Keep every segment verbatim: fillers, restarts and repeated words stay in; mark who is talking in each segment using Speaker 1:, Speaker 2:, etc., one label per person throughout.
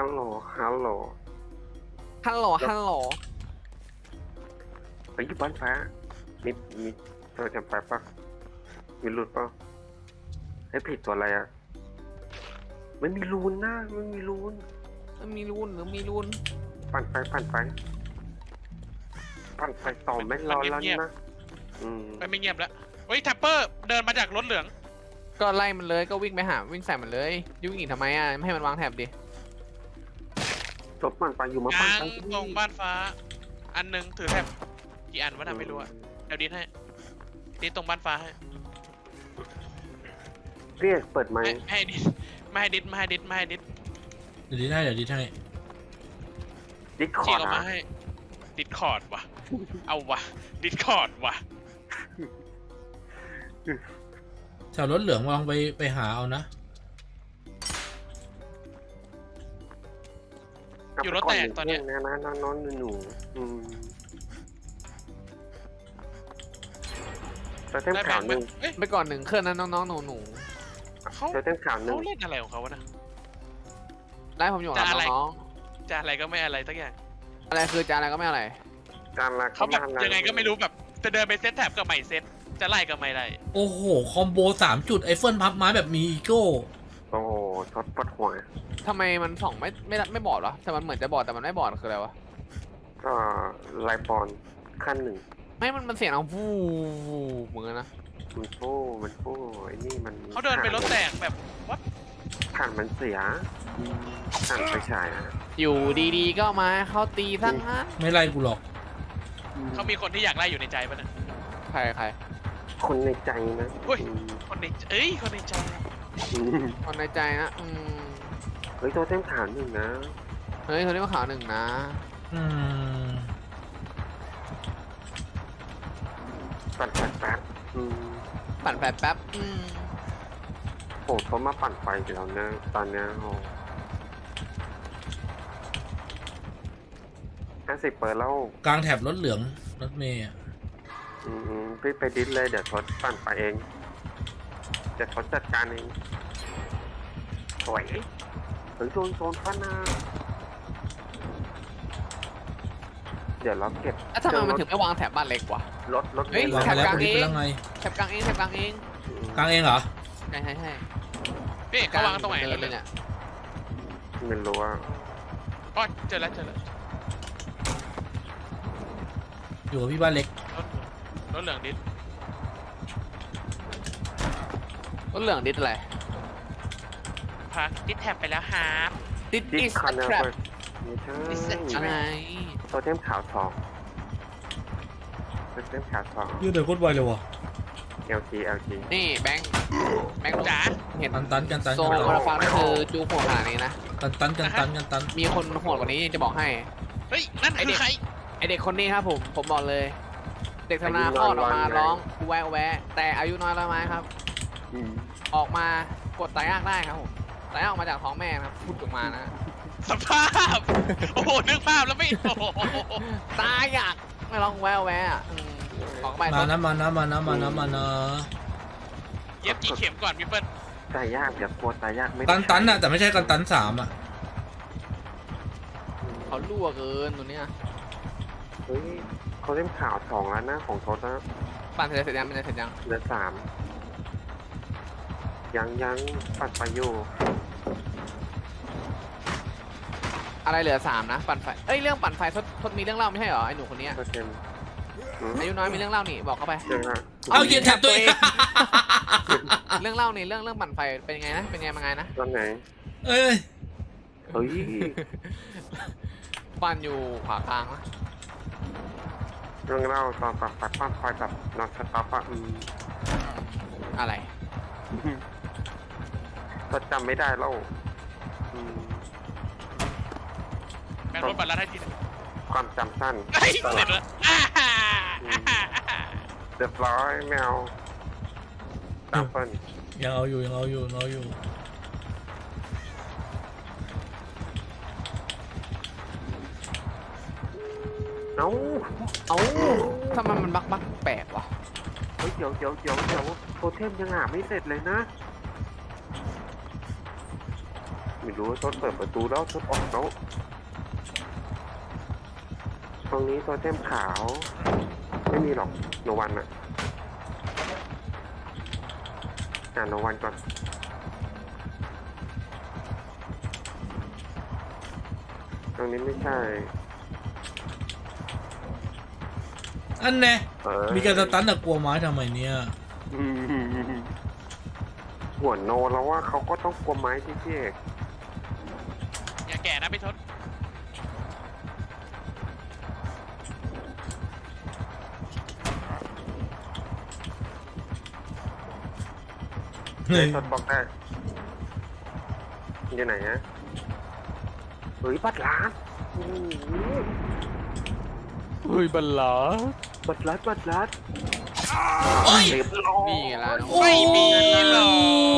Speaker 1: ลโหลฮัลโหล
Speaker 2: ฮัลโหลฮัลโหล
Speaker 1: ไปอยู่บ้านฟ้ามีมีเธอจำไปปะมีรูนปะให้ผิดตัวอะไรอ่ะไม่มีรูนนะไม่มีรูน
Speaker 2: มันมีรูนหรือมีรูน
Speaker 1: ปั่นไฟปั่นไฟปั่นไฟต่อไม่รอแล้วนะอืม
Speaker 3: ไปไม่เงียบแล้วเฮ้ยแท็ปเปอร์เดินมาจากรถเหลือง
Speaker 2: ก็ไล่มันเลยก็วิ่งไปหาวิ่งใส่มันเลยยุ่งอีกทำไมอ่ะไม่ให้มันวางแถบดิ
Speaker 1: จบปั่นไฟอยู่มาปั่น
Speaker 3: ยาง
Speaker 1: ไฟ
Speaker 3: ตรงบ้านฟ้า อันหนึงถือแท็บกี่อันวะน่ะไม่รู้อะเดี๋ยวดิสให้ดิสตรงบ้านฟ้าให้
Speaker 1: เรียกเปิดไม
Speaker 3: ไม่
Speaker 1: ค์
Speaker 3: ไม่ให้ดิสไม่ให้ดิสไม่ให้ดิสไม่ให้ดิส
Speaker 4: เดี๋ยวดีให้เดี๋ยวดีให้
Speaker 1: ดิสค
Speaker 3: ฉี
Speaker 1: อก ร์
Speaker 3: อ
Speaker 1: ด
Speaker 3: อกมา
Speaker 1: นะ
Speaker 3: ให้ดิสคอร์ดว่ะเอาว่ะดิสคอร์ดว่ะ
Speaker 4: แถวรถเหลืองลองไปไปหาเอานะ
Speaker 3: อยู่รถแตกตอนเนี้ย
Speaker 1: นะนะน้องน้องหนูอืมเจอเต็ม
Speaker 3: ได้แบ
Speaker 1: ข่าว
Speaker 3: งค์
Speaker 1: ห
Speaker 3: ไหม
Speaker 1: นึ่ง
Speaker 3: เอ้ย
Speaker 2: ไปก่อนหนึ่งเครื่องนั้นน้องๆหนูหนู
Speaker 3: เขา
Speaker 1: เจอเต็มข่าวหนึ่ง
Speaker 3: เขาเล่นอะไรของเขาวะนะ
Speaker 2: ๆไล่ผมอยู่กับ
Speaker 3: จะอะไร
Speaker 2: น้อง
Speaker 3: จะอะไรก็ไม่อะไรสักอย่าง
Speaker 2: ๆอะไรคือจะอะไรก็ไม่อะไร
Speaker 1: จานละ
Speaker 3: เขาแบบ
Speaker 1: ม
Speaker 3: ยังไงก็ไม่รู้แบบจะเดินไปเซตแท็บกับใหม่เซตจะไล่ก็ไม่ไล่
Speaker 4: โอ้โห คอมโบสามจุดไอเฟิลพับไม้แบบมีอีโก้
Speaker 1: โอ้โหทดปวดหัว
Speaker 2: ทำไมมันส่องไม่ไม่ไม่บอดวะแต่มันเหมือนจะบอดแต่มันไม่บอดคืออะไรวะ
Speaker 1: ก็ไลบอลขั้นหนึ่ง
Speaker 2: ไม่มันมันเสียงดังฟูเหมือนกันนะ
Speaker 1: มันฟู่มันฟู่ไอ้นี่มัน
Speaker 3: เขาเดินไปรถแตกแบบวัด
Speaker 1: ถ่านมันเสียถ่านไฟฉายอ่ะ
Speaker 2: อยู่ดีๆก็มาเขาตีทั้งนั้น
Speaker 4: ไม่ไล่กูหรอก
Speaker 3: เขามีคนที่อยากไล่อยู่ในใจปะเนี่ย
Speaker 2: ใครใคร
Speaker 1: คนในใจนะ
Speaker 3: เฮ้ย คนในเอ้ยคนในใจ
Speaker 1: อืม
Speaker 2: คนในใจนะอืม
Speaker 1: เฮ้ยตัวเต็มข่าวหนึ่งนะ
Speaker 2: เฮ้ยคนนี้มาข่าวหนึ่งนะ
Speaker 4: อืม
Speaker 1: ปั่นไฟแป๊บอืม
Speaker 2: ปั่นแป๊บแป๊บอืม
Speaker 1: โอ้เขามาปั่นไฟอีกแล้วนะตอนเนี้ยโอ้ห้าสิบเปิดแล้ว
Speaker 4: กลางแถบรถเหลืองรถเมย์อะ
Speaker 1: อืมพี่ไปดิสเลยเดี๋ยวทดปั่นไฟเองเดี๋ยวทดจัดการเองสวยเฮ้ยโดนโซนฟ้านาเดี๋ยวเราเก็บ
Speaker 2: แล้วทำไมมันถึงไม่วางแถบบ้านเล็กวะ
Speaker 1: รถรถ
Speaker 2: เฮ้ย
Speaker 4: วาง
Speaker 2: แถ
Speaker 4: ไป
Speaker 2: บ
Speaker 4: แล้ว
Speaker 2: กลาง
Speaker 4: กูดิ
Speaker 2: เอง
Speaker 4: ไปแล้วไง
Speaker 2: แถบกลางเองแถบกลางเอง
Speaker 4: กลางเองเหรอ
Speaker 2: ใช่ใช่ใช่
Speaker 3: พี่เขาวางตรงไหน
Speaker 2: เล
Speaker 3: เลย ย
Speaker 2: เนี่ย
Speaker 1: ไม่รู้ว่า
Speaker 3: อ๋อเจอแล้วเจอแล้ว
Speaker 4: อยู่กับพี่บ้านเล็ก
Speaker 3: รถรถเหลืองดิส
Speaker 2: รถเหลืองดิสอะไร
Speaker 3: พักดิสแท็บไปแล้วฮาร์ป
Speaker 2: ดิส
Speaker 1: ดิ
Speaker 2: อิ
Speaker 1: ส
Speaker 2: ส
Speaker 1: คอนเนอ
Speaker 2: แทรป
Speaker 1: ร์ไม่ใช่
Speaker 2: อะไร
Speaker 1: โทเทมขาวสองโทเทมขาวสอง
Speaker 4: ยืดเดินโคตรไวเลยวะ
Speaker 1: เอลจีเอลจี
Speaker 2: นี่แบงค์แบงค์
Speaker 3: จ๋า
Speaker 2: เห็น
Speaker 4: ตันตันกันตัน
Speaker 2: โซ
Speaker 4: กัน
Speaker 2: มา
Speaker 4: ตัน
Speaker 2: ราฟังนี่คือจูโหดขนาดนี้นะ
Speaker 4: ตันตันกันตันกันตัน
Speaker 2: มีคนโหดกว่านี้จะบอกให้
Speaker 3: เฮ้ยนั่นคือใคร
Speaker 2: ไอเด็กคนนี้ครับผม ผมบอกเลย เด็กธนาคลอดออกมาร้องกูแวะแวะ แต่อายุน้อยแล้วไหมครับ
Speaker 1: อืม
Speaker 2: ออกมากดตายยากได้ครับผมตายยากออกมาจากท้องแม่นะครับพูดออกมานะ
Speaker 3: สภาพโอ้โหนึกภาพแล้วไม่โอ้โห
Speaker 2: ตายยากไม่ร้องแวะแวะอ่ะอืมออกไป
Speaker 4: มานะมานะมานะมานะมานะ
Speaker 3: เย็บกี่เข็มก่อนพี่เปิ้ล
Speaker 1: ตายยากอย่ากลัวตายยากไม่ได้
Speaker 4: ตันตันอะแต่ไม่ใช่กันตันสามอะ
Speaker 2: เขารั่วเกินตัวเนี้ย
Speaker 1: เฮ้ยโทเทมขาวสองแล้วนะของโทษนะ
Speaker 2: ปั่นเสร็จเสร็จยังเป็นเสร็จยัง
Speaker 1: เหลือสามยังยังปัดไปอยู่
Speaker 2: อะไรเหลือสามนะปั่นไฟเอ้ยเรื่องปั่นไฟทศทศมีเรื่องเล่าไม่ใช่เหรอไอ้หนูคนเนี้ย
Speaker 1: โทเทมอืม
Speaker 2: อายุน้อยมีเรื่องเล่านี่บอกเข้าไป
Speaker 1: เจอฮะ
Speaker 4: เอาเหยียบแถบตัวเอง
Speaker 2: เรื่องเล่านี่เรื่องเรื่องปั่นไฟเป็นยังไงนะเป็นยังไงมาไงนะ
Speaker 1: ตอนไหน
Speaker 4: เอ้ย
Speaker 1: เฮ้ย
Speaker 2: ปั่นอยู่ขวากลางนะ
Speaker 1: เรื่องเล่าตอนปัดปัดปั้นไฟแบบนอนสต็อปอะอืม
Speaker 2: อะไร
Speaker 1: ก็จำไม่ได้แล้วอืม
Speaker 3: แม่งรถบัตรลัดให้ทีนึง
Speaker 1: ความจำสั้น
Speaker 3: เฮ้ยเสร็จแล้วอ่าฮ่าอ่าฮ่า
Speaker 1: เรียบร้อยแมวตามเปิ้ล
Speaker 4: ยังเอาอยู่ยังเอาอยู่ยังเอาอยู่
Speaker 1: เอ้า
Speaker 2: เอ้าทำไมมันบักบักแปลกวะ
Speaker 1: เฮ้ยเดี๋ยวเดี๋ยวเดี๋ยวเดี๋ยวโทเทมยังหาไม่เสร็จเลยนะ มีรู้ว่าทศเปิดประตูแล้วทศออกแล้วตรงนี้ตัวเต็มขาวไม่มีหรอกโนวันอะอ่านโนวันก่อนตรงนี้ไม่ใช่
Speaker 4: อันแน่
Speaker 1: เออ
Speaker 4: มีการสตันแต่กลัวไม้ทำไมเนี่ย
Speaker 1: อืมหัวโนแล้วว่าเขาก็ต้องกลัวไม้ที่พี่เอก
Speaker 3: อย่าแก่นะพี่ทศ
Speaker 4: เฮ้ย
Speaker 1: ทดบอกได้อยู่ไหนฮะเฮ้ยบัตรล้านอืม
Speaker 2: เฮ้ยบัลลา
Speaker 1: บัตรลัดบัตรลัด
Speaker 4: โอ้ย
Speaker 1: เรียบร้อย
Speaker 2: นี่ไงล่ะน้อง
Speaker 3: ไม่มีหรอก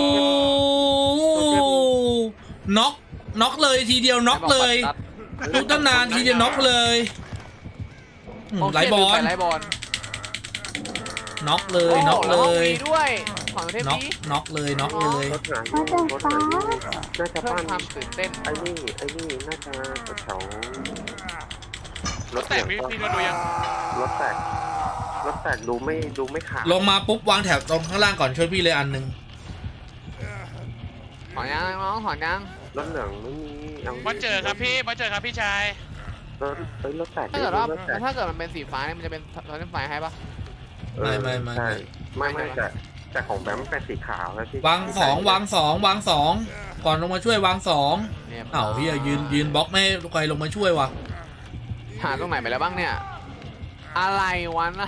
Speaker 4: น็อกน็อกเลยทีเดียวน็อกเลยทุกตั้งนานทีเดียวน็อกเลยอืม
Speaker 2: โอเค
Speaker 4: ไหลบอล
Speaker 2: ไหลบอล
Speaker 4: น็อกเลยน็อกเล
Speaker 2: โโห
Speaker 4: ย
Speaker 2: แวมีด้วยของเทพ
Speaker 4: น็อก
Speaker 2: นี้
Speaker 4: น็อกเลยน็อกเลย
Speaker 1: รถหนาอยู่รถหนาอยู่น่าจะ
Speaker 2: เพิ่ม
Speaker 1: บ้าน
Speaker 2: ความตื่นเต้น
Speaker 1: ไอ้นี่ไอ้นี่น่าจะแถวๆรถ
Speaker 3: แต่
Speaker 1: เหลื
Speaker 3: พี่
Speaker 1: อง
Speaker 3: พี่ทศดูยัง
Speaker 1: รถแตกรถแตกดูไม่ดูไม่ขาด
Speaker 4: ลงมาปุ๊บวางแถบตรงข้างล่างก่อนช่วยพี่เลยอันหนึ่ง
Speaker 2: ถอนยังน้องถอนยัง
Speaker 1: รถเหลืองไม่มีา
Speaker 3: มาเจอครับพี่มาเจอครับพี่ชาย
Speaker 1: รถเอ้ยรถแตก
Speaker 2: ถ้าเกิดว่าร
Speaker 1: ถแตก
Speaker 2: ถ้าเกิดมันเป็นสีฟ้าเนี่ยมันจะเป็นรถไฟให้ปะ
Speaker 1: เออ
Speaker 4: ไม่ไม่ไม่
Speaker 1: ใช่
Speaker 4: ไม่
Speaker 1: ไม่ไม่แต่แต่ของแบมเป็นสีขาวแล้วที่
Speaker 4: วางสองวางสองวางสองก่อนลงมาช่วยวางสอง
Speaker 2: เนี่ย
Speaker 4: เอ้าพี่ยืนยืนบล็อกไม่ให้ใครลงมาช่วยวะ
Speaker 2: หาตรงไหนไปแล้วบ้างเนี่ย อะไรวะนะ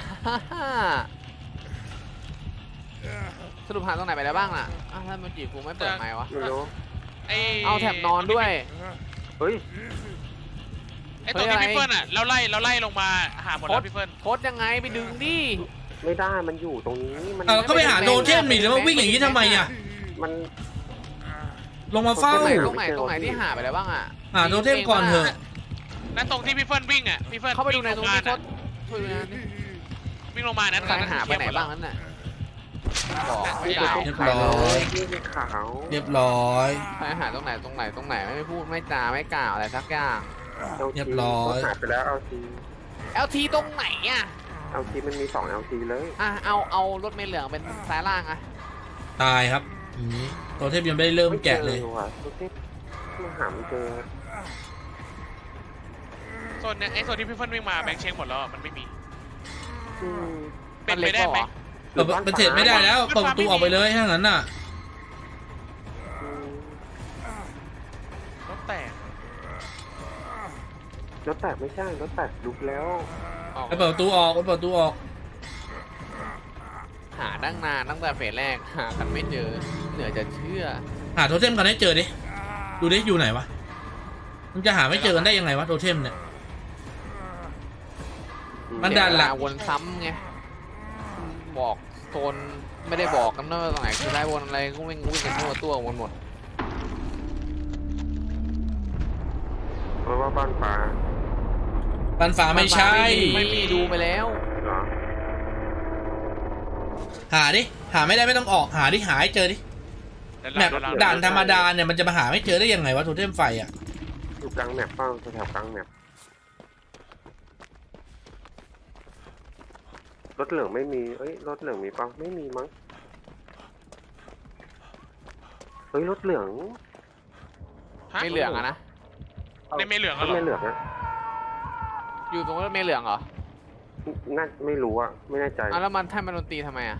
Speaker 2: สรุปหาตรงไหนไปแล้วบ้างล่ะอ้าวถ้ามันจีบกูไม่เปิดไมค์วะ
Speaker 1: ไม่รู้
Speaker 3: ไอ้
Speaker 2: เอาแถบนอนด้วย
Speaker 1: เฮ้ย
Speaker 3: ไอ้ตัวที่
Speaker 2: เฮ้ยอะไร
Speaker 3: พี่เฟิร์นอ่ะเราไล่เราไล่ลงมาหาหมดแล้วพี่เฟิร์น
Speaker 2: โคตรยังไงไปดึงดิ
Speaker 1: ไม่ได้มันอยู่ตรงนี้มัน
Speaker 4: อ่ะก็ไปหาโดนเทมหนีแล้วมาวิ่งอย่างนี้ทำไมอ่ะ
Speaker 1: มัน
Speaker 4: ลงมาเฝ้า
Speaker 2: ตรงไหนตรงไหนตรงไหนที่หาไปแล้วบ้างอ่ะ
Speaker 4: หาโดนเทมก่อนเถอะ
Speaker 3: นั่นตรงที่พี่เฟิร์นวิ่งอ่ะพี่เฟิร์น
Speaker 2: เข้าไปดูในตรงนี้
Speaker 3: วิ่
Speaker 2: ทศช่วยดูนะ
Speaker 3: วิ่งลงมานะ
Speaker 2: ใครหาไปไหนบ้างนั้นน่ะบอกไม่ได้
Speaker 4: เรียบร้อย
Speaker 1: นี่เป็นขาว
Speaker 4: เรียบร้อย
Speaker 2: ใครหาตรงไหนตรงไหนตรงไหนไม่พูดไม่จาไม่กล่าวอะไรสักอย่าง
Speaker 1: เอา
Speaker 4: เรียบร้อย
Speaker 1: หายไปแล้วเอาที
Speaker 2: เอลทีตรงไหนอ่ะ
Speaker 1: เอาทีมันมีสองเอาทีเลย
Speaker 2: อ่ะเอาเอารถเมล์เหลืองเป็นซ้ายล่างอ่ะ
Speaker 4: ตายครับอย่างนี้ตัวเทพยังไม่ได้เริ่มแกะเลย
Speaker 1: ไม่จอว่ะตัวเทพมาหาไม่เจอ
Speaker 3: โซนเนี้ยไอ้โซนที่พี่เฟิร์นวิ่งมาแบงค์เช็คหมดแล้วอะมันไม่มี
Speaker 1: อืม
Speaker 3: เป็นไปได้ไหม
Speaker 4: เปิดมันเสร็จไม่ได้แล้วเปิดประตูออกไปเลยถ้างั้นน่ะ
Speaker 1: อืม
Speaker 3: รถแตก
Speaker 1: รถแตกไม่ใช่รถแตกลุกแล้ว
Speaker 2: ออก
Speaker 4: ไปเปิดประตูออกไปเปิดประตูออก
Speaker 2: หาตั้งนานตั้งแต่เฟสแรกหากันไม่เจอเหนือจะเชื่อ
Speaker 4: หาโทเทมกันให้เจอดิดูดิอยู่ไหนวะมันจะหาไม่เจอกันได้ยังไงวะโทเทมเนี่ย มันดันละ
Speaker 2: เสียเวาวนซ้ำไงบอกโซนไม่ได้บอกกันนะว่าตรงไหนคือได้วนอะไรก็วิ่งวิ่งกันทั่วตัววนหมด
Speaker 1: เพราะว่าบ้านฟ้า
Speaker 4: ปันฟ้าไม่ใช่
Speaker 2: ไม่มีดูไปแล้ว
Speaker 1: เหรอ
Speaker 4: หาดิหาไม่ได้ไม่ต้องออกหาดิหาให้เจอดิ
Speaker 3: เดี๋ยว
Speaker 4: แม
Speaker 3: เรา
Speaker 4: ป
Speaker 3: เดี๋ยวเรา
Speaker 4: ด่านธรรมดาเนี่ยมันจะมาหาไม่เจอได้ยังไงวะโทเทมไฟอ่ะ
Speaker 1: อยู่กลางแมปเป้าแถวๆกลางแมปรถเหลืองไม่มีเอ้ยรถเหลืองมีเปล่าไม่มีมั้งเฮ้ยรถเหลือง
Speaker 3: ฮะ
Speaker 2: ไม่เหลืองอะนะ
Speaker 3: ในไม่เหลือง
Speaker 1: ร
Speaker 3: อะ
Speaker 1: ถ
Speaker 3: เหรอ
Speaker 1: ไม่เหลืองนะ
Speaker 2: อยู่ตรงรถเมล์เหลืองเหรอ
Speaker 1: น่าไม่รู้อะไม่แน่ใจ
Speaker 2: อ่ะแล้วมันท่านมันดนตรีทำไมอ่ะ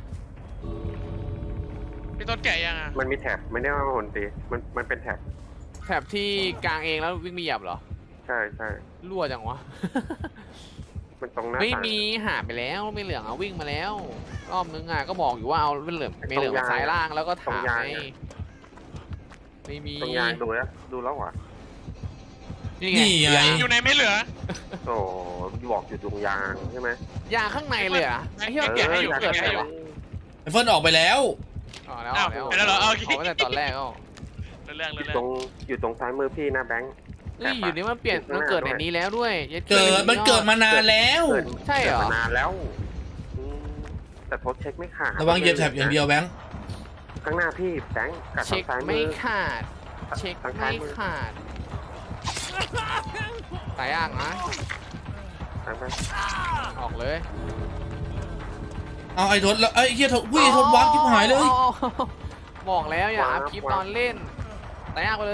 Speaker 3: พี่ต้นแก่ยังอ่ะ
Speaker 1: มันมีแท็บไม่ได้ว่าโหนตีมันมันเป็นแท็บ
Speaker 2: แถบที่กลางเองแล้ววิ่งมีหยับเหรอ
Speaker 1: ใช่ใช่
Speaker 2: รั่วจังวะ
Speaker 1: มันตรงหน้า
Speaker 2: ไม่
Speaker 1: ต่าง
Speaker 2: มีหาไปแล้วไม่เหลืองอ่ะวิ่งมาแล้วรอบนึงอ่ะก็บอกอยู่ว่าเอาไม่เหลืองไม่เหลืองมาซ้ายล่างแล้วก็ถามไงไม่มี
Speaker 1: ตรงยางดูแล้วดูแล้วเหรอ
Speaker 2: นี่ไง
Speaker 4: นี่ไง
Speaker 2: ยาง
Speaker 3: อยู่ในไม่เหลือ
Speaker 1: โอ้บอกอยู่ตรงยางใช่ไหม
Speaker 2: ยางข้างในเลยอ่ะไอ้เหี้ย
Speaker 3: แกะให้อยู่
Speaker 2: เกิด
Speaker 3: แกะ
Speaker 2: อะไร
Speaker 3: ให้อยู่
Speaker 2: วะ
Speaker 4: ไอเฟิร์นออกไปแล้ว
Speaker 2: อ๋อแล้ว
Speaker 3: อ้าว
Speaker 2: แล้ว
Speaker 3: ไปแล้วเหรอเอาโอเค
Speaker 2: เอาตั้งแต่ตอนแรกก็
Speaker 3: เรื่อง
Speaker 1: อ
Speaker 3: เรื่
Speaker 1: ยู่
Speaker 3: อง
Speaker 1: ตรงอยู่ตรงซ้ายมือพี่นะแบงค์
Speaker 2: เฮ้ยอยู่นี่มันเปลี่ยนมันเกิดในนี้แล้วด้วยย็
Speaker 4: เกิดมันเกิดมานานแล้ว
Speaker 1: เกิด
Speaker 2: ใช่เหรอ
Speaker 1: กิดมานานแล้วอืมแต่ทดเช็คไม่ขาด
Speaker 4: ระวังเหยียบแถบอย่างเดียวแบงค์
Speaker 1: ข้างหน้าพี่แบงค์กับ
Speaker 2: เช็
Speaker 1: ทา
Speaker 2: ค
Speaker 1: งซ้ายมื
Speaker 2: ไม่
Speaker 1: อ
Speaker 2: ขาดเช็ค
Speaker 1: ทาง
Speaker 2: ไม่
Speaker 1: ซ้ายมือ
Speaker 2: ขาดตายย่างนะ
Speaker 1: ทางไป
Speaker 2: ออกเลย
Speaker 4: เอาไอ้ทศแล้วไอ้เฮียทศวิ่งไอ้ทศวักชิบหายเลย
Speaker 2: อ๋อบอกแล้วอย่าอัพคลิปตอนเล่นตายย่างไปเลย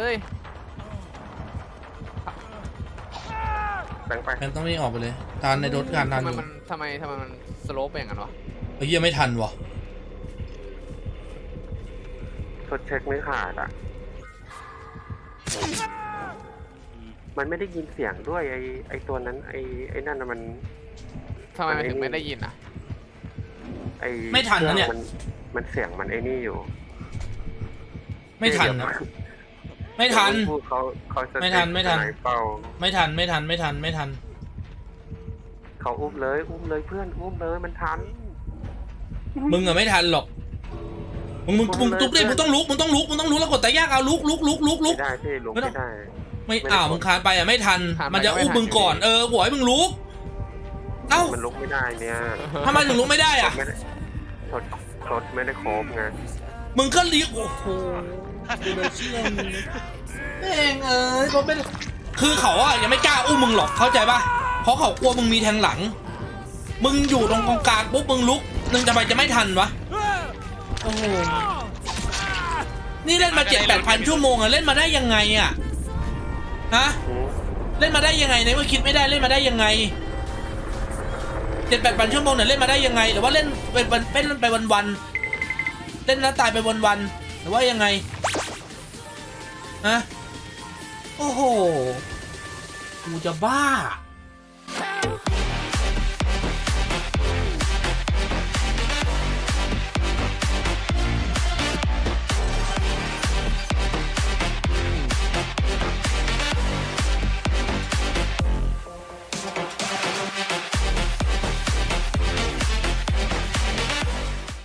Speaker 1: แบงค์ไป
Speaker 4: แมนต้องนี่ออกไปเลยทานในทศการทาน
Speaker 2: ทำไม
Speaker 4: อยู่
Speaker 2: มันทำไมทำไมมันสโลปเป็นอย่างนั้นวะ
Speaker 4: ไอ้เฮียไม่ทันวะ
Speaker 1: ทดเช็คไม่ขาดอ่ะ มันไม่ได้ยินเสียงด้วยไอไอตัวนั้นไอไอนั่นน่ะมัน
Speaker 2: ทำไมมันถึงไม่ได้ยินอ่ะ
Speaker 1: ไอ
Speaker 4: ไม่ทันนะเนี่ย
Speaker 1: ครื่องมันมันเสียงมันไอนี่อยู่
Speaker 4: ไม่ทันนะไม่ทัน
Speaker 1: พูดเขาเขาจะ
Speaker 4: ไม่ทันไม่ทัน
Speaker 1: สยเป้า
Speaker 4: ไม่ทันไม่ทันไม่ทันไม่ทัน
Speaker 1: เขาอุ้มเลยอุ้มเลยเพื่อนอุ้มเลยมันทัน
Speaker 4: มึงอะไม่ทันหรอกมึงมึงมึงลุกดิมึงต้องลุกมึงต้องลุกมึงต้องลุกแล้วกดตะยากเอาลุกลุกลุกลุกลุ
Speaker 1: ไม่
Speaker 4: ก
Speaker 1: ได้พี่ลุก
Speaker 4: ไม่ต้
Speaker 1: ไม่
Speaker 4: อง
Speaker 1: ได้
Speaker 4: ไม่
Speaker 1: ไม่ได้
Speaker 4: อ้าวมึงคานไปอะไม่ทัน มันจะอุ้มมึงก่อนเออหัวให้มึงลุกเอ้า
Speaker 1: มันลุกไม่ได้เนี่ย
Speaker 4: ทำไมถึงลุกไม่ได้อะ
Speaker 1: ไม่ได้ทดทดไม่ได้โครบไง
Speaker 4: มึงก็เลี้ยงโอ้โหกูเลยเชื่อมึงแม่งเอ้ยเขาเป็นคือเขาอะยังไม่กล้าอุ้มมึงหรอกเข้าใจป่ะเพราะเขากลัวมึงมีแทงหลัง มึงอยู่ตรงกองกลางปุ๊บมึงลุกนึงจะไปจะไม่ทันวะโอ้โหนี่เล่นมาเจ็ดแปดพันชั่วโมงอะเล่นมาได้ยังไงอะฮะ
Speaker 1: อืม
Speaker 4: เล่นมาได้ยังไงในเมื่อคิดไม่ได้เล่นมาได้ยังไงเจ็ดแปดพันชั่วโมงเนี่ยเล่นมาได้ยังไงหรือว่าเล่นเป็นวันเป็นไปวันวันๆเล่นแล้วตายไปวันวันๆหรือว่ายังไงฮะโอ้โหกูจะบ้า